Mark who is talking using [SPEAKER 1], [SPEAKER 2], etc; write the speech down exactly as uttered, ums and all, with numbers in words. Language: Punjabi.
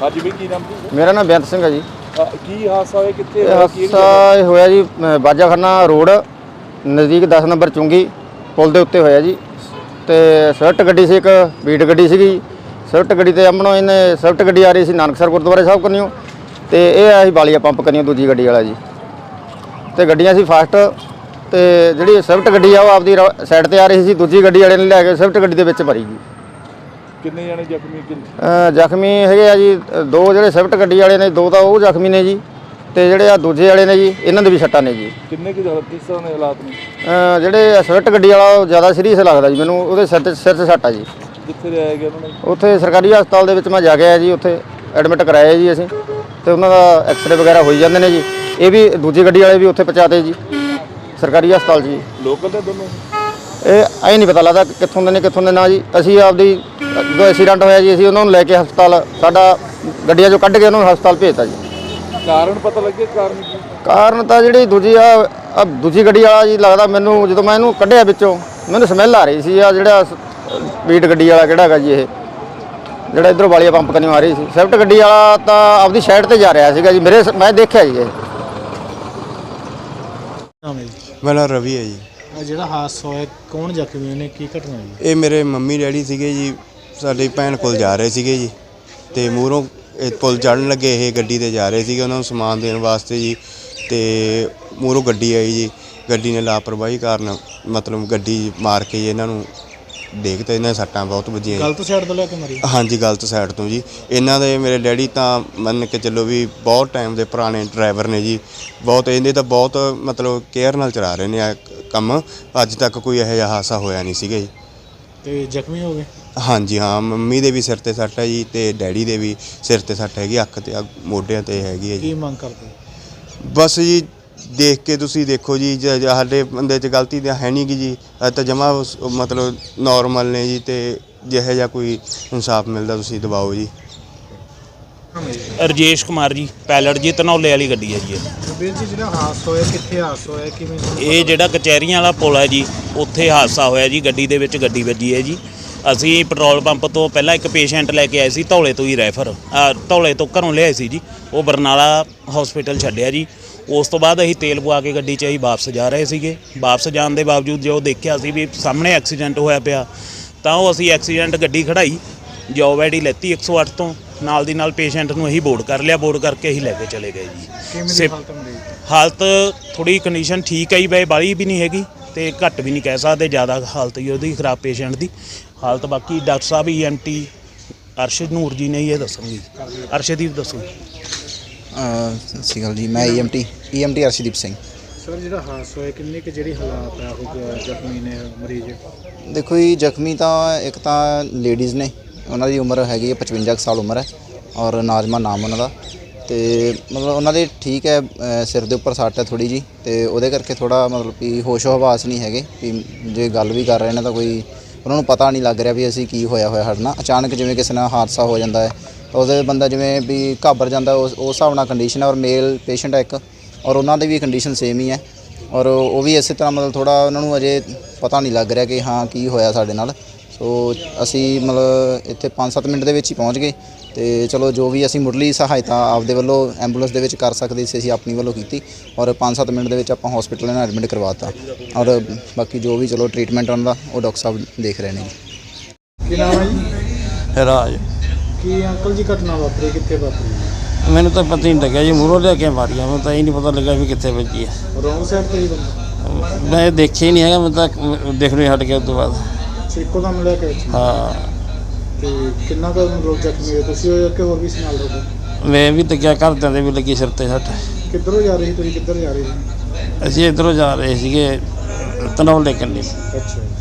[SPEAKER 1] हाँ जी भाई, की नाम जी?
[SPEAKER 2] मेरा नाम बेअंत सिंह है जी।
[SPEAKER 1] की हादसा होया कित्थे?
[SPEAKER 2] हादसा होया जी बाजाखाना रोड नज़दीक दस नंबर चुंगी पुल के उत्ते होया जी। तो स्विफ्ट गड्डी से एक बीट गड्डी सी। स्विफ्ट गड्डी ते अमनों इन्हें स्विफ्ट गड्डी आ रही सी नानकसर गुरुद्वारे साहब कन्नियों, तो यह आया बालिया पंप कन्नियों दूजी गड्डी वाला जी। तो गड्डियां सी फास्ट, तो जी स्विफ्ट गड्डी आ आपकी साइड पर आ रही सी, दूजी गड्डी वाले ने लैके स्विफ्ट गड्डी के विच भरी जी।
[SPEAKER 1] कितने जने जख्मी?
[SPEAKER 2] जख्मी है जी दो, जो स्विफ्ट गड्डी वाले ने दो, तो वो जख्मी ने जी, तो जोड़े आ दूजे वाले ने जी इन्होंने भी सट्टा ने जी।
[SPEAKER 1] किन्ने की किस तरह के हालात ने?
[SPEAKER 2] जोड़े स्विफ्ट गड्डी वाला ज़्यादा सीरीयस लगता जी मैनू, वो सिर सिर से सट्टा जी।
[SPEAKER 1] कित्थे लिया गया उन्होंने?
[SPEAKER 2] उत्थे सरकारी हस्पताल दे विच मैं जा के आया जी, उत्थे एडमिट कराया जी असीं, ते उन्हां दा एक्सरे वगैरह होई जांदे ने जी। ये भी दूजी गड्डी वाले भी उत्थे पहुँचाते जी सरकारी हस्पताल जी।
[SPEAKER 1] लोकल दे दोनों?
[SPEAKER 2] ये अं नहीं पता लगता कित्थों दे ने कित्थों दे ना जी। असीं आपदी जो एक्सीडेंट होया जी असीं उन्हां नूं लैके हस्पताल साडा गड्डियां चों कढ के उन्हां नूं हस्पताल भेजता जी।
[SPEAKER 1] कारण पता लगे कारण की?
[SPEAKER 2] कारण तो जी दूजी आ दूजी गड्डी वाला जी लगता मैनू, जो मैं इनू कढ़िया बिचों मैनू समैल आ रही सी आ जिहड़ा बीट गड्डी वाला किहड़ा हैगा जी, ये जिहड़ा इधरों वालिया पंप कन्नियों आ रही सी। स्विफ्ट गड्डी वाला तो आपदी साइड ते जा रहा सीगा जी, मेरे मैं देखिया जी।
[SPEAKER 3] मेरा रवि है जी।
[SPEAKER 4] ਜਿਹੜਾ ਹਾਦਸਾ ਹੋਇਆ ਕੌਣ ਜ਼ਖਮੀ ਨੇ, ਕੀ ਘਟਨਾ ਹੋਈ?
[SPEAKER 3] ਇਹ ਮੇਰੇ ਮੰਮੀ ਡੈਡੀ ਸੀਗੇ ਜੀ, ਸਾਡੀ ਭੈਣ ਕੋਲ ਜਾ ਰਹੇ ਸੀਗੇ ਜੀ, ਤੇ ਮੂਹਰੋਂ ਪੁਲ ਚੜ੍ਹਨ ਲੱਗੇ ਇਹ ਗੱਡੀ ਤੇ ਜਾ ਰਹੇ ਸੀਗੇ ਉਹਨਾਂ ਨੂੰ ਸਮਾਨ ਦੇਣ ਵਾਸਤੇ ਜੀ, ਤੇ ਮੂਹਰੋਂ ਗੱਡੀ ਆਈ ਜੀ। ਗੱਡੀ ਨੇ ਲਾਪਰਵਾਹੀ ਕਾਰਨ ਮਤਲਬ ਗੱਡੀ ਮਾਰ ਕੇ ਜੀ ਇਹਨਾਂ ਨੂੰ ਦੇਖ ਤੇ ਇਹਨਾਂ ਸੱਟਾਂ ਬਹੁਤ ਵੱਜੀਆਂ।
[SPEAKER 4] ਗਲਤ ਸਾਈਡ ਤੋਂ ਲੈ ਕੇ ਮਾਰੀ?
[SPEAKER 3] ਹਾਂਜੀ ਗਲਤ ਸਾਈਡ ਤੋਂ ਜੀ। ਇਹਨਾਂ ਦੇ ਮੇਰੇ ਡੈਡੀ ਤਾਂ ਮੰਨ ਕੇ ਚੱਲੋ ਵੀ ਬਹੁਤ ਟਾਈਮ ਦੇ ਪੁਰਾਣੇ ਡਰਾਈਵਰ ਨੇ ਜੀ, ਬਹੁਤ ਇਹਦੇ ਤਾਂ ਬਹੁਤ ਮਤਲਬ ਕੇਅਰ ਨਾਲ ਚਲਾ ਰਹੇ ਨੇ ਆ ਕੰਮ। ਅੱਜ ਤੱਕ ਕੋਈ ਇਹੋ ਜਿਹਾ ਹਾਦਸਾ ਹੋਇਆ ਨਹੀਂ ਸੀਗਾ ਜੀ।
[SPEAKER 4] ਤੇ ਜ਼ਖਮੀ ਹੋ ਗਏ?
[SPEAKER 3] ਹਾਂਜੀ ਹਾਂ, ਮੰਮੀ ਦੇ ਵੀ ਸਿਰ ਤੇ ਸੱਟ ਹੈ ਜੀ, ਤੇ ਡੈਡੀ ਦੇ ਵੀ ਸਿਰ ਤੇ ਸੱਟ ਹੈਗੀ, ਅੱਖ ਤੇ ਮੋਢਿਆਂ ਤੇ ਹੈਗੀ ਹੈ ਜੀ।
[SPEAKER 4] ਕੀ ਮੰਗ ਕਰਦੇ? ਬਸ
[SPEAKER 3] ਜੀ ਦੇਖ ਕੇ ਤੁਸੀਂ ਦੇਖੋ ਜੀ, ਸਾਡੇ ਬੰਦੇ 'ਚ ਗਲਤੀ ਤਾਂ ਹੈ ਨਹੀਂ ਗੀ ਜੀ, ਤਾਂ ਜਮਾ ਮਤਲਬ ਨੋਰਮਲ ਨੇ ਜੀ, ਤੇ ਜਿਹੋ ਜਿਹਾ ਕੋਈ ਇਨਸਾਫ ਮਿਲਦਾ ਤੁਸੀਂ ਦਿਵਾਓ ਜੀ।
[SPEAKER 5] ਰਜੇਸ਼ ਕੁਮਾਰ ਜੀ, ਪੈਲਟ ਜੀ, ਧਨੌਲੇ ਵਾਲੀ ਗੱਡੀ ਹੈ ਜੀ।
[SPEAKER 4] ਵੀਰ ਜੀ ਜਿਹੜਾ ਹਾਦਸਾ ਹੋਇਆ ਕਿੱਥੇ ਹਾਦਸਾ ਹੋਇਆ, ਕਿਵੇਂ?
[SPEAKER 5] ਇਹ ਜਿਹੜਾ ਕਚਹਿਰੀਆਂ ਵਾਲਾ ਪੁਲ ਹੈ ਜੀ, ਉੱਥੇ ਹਾਦਸਾ ਹੋਇਆ ਜੀ। ਗੱਡੀ ਦੇ ਵਿੱਚ ਗੱਡੀ ਵੱਜੀ ਹੈ ਜੀ। ਅਸੀਂ ਪੈਟਰੋਲ ਪੰਪ ਤੋਂ ਪਹਿਲਾਂ ਇੱਕ ਪੇਸ਼ੈਂਟ ਲੈ ਕੇ ਆਏ ਸੀ, ਧੌਲੇ ਤੋਂ ਹੀ ਰੈਫਰ ਧੌਲੇ ਤੋਂ ਘਰੋਂ ਲਿਆਏ ਸੀ ਜੀ। ਉਹ ਬਰਨਾਲਾ ਹਸਪੀਟਲ ਛੱਡਿਆ ਜੀ। ਉਸ ਤੋਂ ਬਾਅਦ ਅਸੀਂ ਤੇਲ ਪਵਾ ਕੇ ਗੱਡੀ 'ਚ ਅਸੀਂ ਵਾਪਸ ਜਾ ਰਹੇ ਸੀਗੇ। ਵਾਪਸ ਜਾਣ ਦੇ ਬਾਵਜੂਦ ਜੋ ਦੇਖਿਆ ਸੀ ਵੀ ਸਾਹਮਣੇ ਐਕਸੀਡੈਂਟ ਹੋਇਆ ਪਿਆ, ਤਾਂ ਉਹ ਅਸੀਂ ਐਕਸੀਡੈਂਟ ਗੱਡੀ ਖੜਾਈ, ਜੋਬ ਆਈ ਡੀ ਲੈਤੀ ਇੱਕ ਸੌ ਅੱਠ ਤੋਂ, ਨਾਲ ਦੀ ਨਾਲ ਪੇਸ਼ੈਂਟ ਨੂੰ ਅਸੀਂ ਬੋਰਡ ਕਰ ਲਿਆ। ਬੋਰਡ ਕਰਕੇ ਅਸੀਂ ਲੈ ਕੇ ਚਲੇ ਗਏ ਜੀ। ਹਾਲਤ ਥੋੜ੍ਹੀ ਕੰਡੀਸ਼ਨ ਠੀਕ ਹੈ ਜੀ, ਬਈ ਬਾਹਲੀ ਵੀ ਨਹੀਂ ਹੈਗੀ ਤੇ ਘੱਟ ਵੀ ਨਹੀਂ ਕਹਿ ਸਕਦੇ, ਜ਼ਿਆਦਾ ਹਾਲਤ ਹੀ ਉਹਦੀ ਖਰਾਬ ਪੇਸ਼ੈਂਟ ਦੀ ਹਾਲਤ। ਬਾਕੀ ਡਾਕਟਰ ਸਾਹਿਬ E M T Arshad Noor ji ਨੇ ਇਹ ਦੱਸਣਗੇ। ਅਰਸ਼ਦੀਪ ਦੱਸੋ।
[SPEAKER 6] ਸਤਿ ਸ਼੍ਰੀ ਅਕਾਲ ਜੀ, ਮੈਂ E M T E M T Arshdeep Singh.
[SPEAKER 4] Sir ਜਿਹੜਾ ਹਾਦਸਾ ਹੋਇਆ ਕਿੰਨੇ ਕੁ ਜਿਹੜੀ ਹਾਲਾਤ ਆ ਉਹ ਜ਼ਖਮੀ ਨੇ ਮਰੀਜ਼?
[SPEAKER 6] ਦੇਖੋ ਜੀ ਜ਼ਖਮੀ ਤਾਂ ਇੱਕ ਤਾਂ ਲੇਡੀਜ਼ ਨੇ, ਉਹਨਾਂ ਦੀ ਉਮਰ ਹੈਗੀ ਹੈ ਪਚਵੰਜਾ ਸਾਲ ਉਮਰ ਹੈ, ਔਰ ਨਾਜ਼ਮਾ ਨਾਮ ਉਹਨਾਂ ਦਾ। ਤੇ ਮਤਲਬ ਉਹਨਾਂ ਦੇ ਠੀਕ ਹੈ, ਸਿਰ ਦੇ ਉੱਪਰ ਸੱਟ ਹੈ ਥੋੜ੍ਹੀ ਜੀ, ਤੇ ਉਹਦੇ ਕਰਕੇ ਥੋੜ੍ਹਾ ਮਤਲਬ ਕਿ ਹੋਸ਼ੋ ਹਵਾਸ ਨਹੀਂ ਹੈਗੇ ਵੀ ਜੇ ਗੱਲ ਵੀ ਕਰ ਰਹੇ ਨੇ ਤਾਂ ਕੋਈ ਉਹਨਾਂ ਨੂੰ ਪਤਾ ਨਹੀਂ ਲੱਗ ਰਿਹਾ ਵੀ ਅਸੀਂ ਕੀ ਹੋਇਆ ਹੋਇਆ ਸਾਡੇ ਨਾਲ। ਅਚਾਨਕ ਜਿਵੇਂ ਕਿਸੇ ਨਾਲ ਹਾਦਸਾ ਹੋ ਜਾਂਦਾ ਹੈ ਤਾਂ ਉਹਦੇ ਬੰਦਾ ਜਿਵੇਂ ਵੀ ਘਾਬਰ ਜਾਂਦਾ, ਉਸ ਉਸ ਹਿਸਾਬ ਨਾਲ ਕੰਡੀਸ਼ਨ ਹੈ। ਔਰ ਮੇਲ ਪੇਸ਼ੈਂਟ ਹੈ ਇੱਕ, ਔਰ ਉਹਨਾਂ ਦੀ ਵੀ ਕੰਡੀਸ਼ਨ ਸੇਮ ਹੀ ਹੈ, ਔਰ ਉਹ ਵੀ ਇਸੇ ਤਰ੍ਹਾਂ ਮਤਲਬ ਥੋੜ੍ਹਾ ਉਹਨਾਂ ਨੂੰ ਅਜੇ ਪਤਾ ਨਹੀਂ ਲੱਗ ਰਿਹਾ ਕਿ ਹਾਂ ਕੀ ਹੋਇਆ ਸਾਡੇ ਨਾਲ। ਸੋ ਅਸੀਂ ਮਤਲਬ ਇੱਥੇ ਪੰਜ ਸੱਤ ਮਿੰਟ ਦੇ ਵਿੱਚ ਹੀ ਪਹੁੰਚ ਗਏ, ਤੇ ਚਲੋ ਜੋ ਵੀ ਅਸੀਂ ਮੁੱਢਲੀ ਸਹਾਇਤਾ ਆਪਦੇ ਵੱਲੋਂ ਐਂਬੂਲੈਂਸ ਦੇ ਵਿੱਚ ਕਰ ਸਕਦੇ ਸੀ ਅਸੀਂ ਆਪਣੀ ਵੱਲੋਂ ਕੀਤੀ, ਔਰ ਪੰਜ ਸੱਤ ਮਿੰਟ ਦੇ ਵਿੱਚ ਆਪਾਂ ਹਸਪੀਟਲ ਨਾਲ ਐਡਮਿਟ ਕਰਵਾਤਾ। ਔਰ ਬਾਕੀ ਜੋ ਵੀ ਚਲੋ ਟ੍ਰੀਟਮੈਂਟ ਉਹਨਾਂ ਦਾ ਉਹ ਡਾਕਟਰ ਸਾਹਿਬ ਦੇਖ ਰਹੇ ਨੇ ਜੀ।
[SPEAKER 4] ਕੀ ਨਾਮ ਹੈ ਜੀ?
[SPEAKER 7] ਰਾਜ।
[SPEAKER 4] ਕੀ ਅੰਕਲ ਜੀ ਘਟਨਾ ਵਾਪਰੀ, ਕਿੱਥੇ ਵਾਪਰੀ?
[SPEAKER 7] ਮੈਨੂੰ ਤਾਂ ਪਤਾ ਹੀ ਨਹੀਂ ਲੱਗਿਆ ਜੀ, ਮੂਹਰੋਂ ਲਿਆ ਕੇ ਮਾਰੀਆਂ, ਮੈਨੂੰ ਤਾਂ ਇਹ ਨਹੀਂ ਪਤਾ ਲੱਗਾ ਵੀ ਕਿੱਥੇ ਵੱਜੀ ਹੈ।
[SPEAKER 4] ਰੋਂਗ ਸਾਈਡ ਤੇ ਹੀ ਬੰਦਾ?
[SPEAKER 7] ਮੈਂ ਦੇਖਿਆ ਹੀ ਨਹੀਂ ਹੈਗਾ, ਮੈਂ ਤਾਂ ਦੇਖਣੇ ਹਟ ਗਿਆ ਉਸ ਤੋਂ ਬਾਅਦ।
[SPEAKER 4] ਇੱਕੋ ਦਮ ਮਿਲਿਆ ਕਿ?
[SPEAKER 7] ਹਾਂ।
[SPEAKER 4] ਤੇ ਕਿੰਨਾ ਕੁ ਲੋਕ ਜ਼ਖਮੀ ਹੋਏ, ਤੁਸੀਂ ਹੋਏ ਕਿ ਹੋਰ ਵੀ ਸੀ ਨਾਲ ਲੋਕ?
[SPEAKER 7] ਮੈਂ ਵੀ ਲੱਗਿਆ, ਘਰਦਿਆਂ ਦੇ ਵੀ ਲੱਗੀ ਸਿਰ ਤੇ ਸੱਟ।
[SPEAKER 4] ਕਿੱਧਰੋਂ ਜਾ ਰਹੇ ਸੀ ਤੁਸੀਂ, ਕਿੱਧਰ ਜਾ ਰਹੇ ਸੀ?
[SPEAKER 7] ਅਸੀਂ ਇੱਧਰੋਂ ਜਾ ਰਹੇ ਸੀਗੇ ਧਨੌਲੇ ਕੰਨੀ।
[SPEAKER 4] ਅੱਛਾ।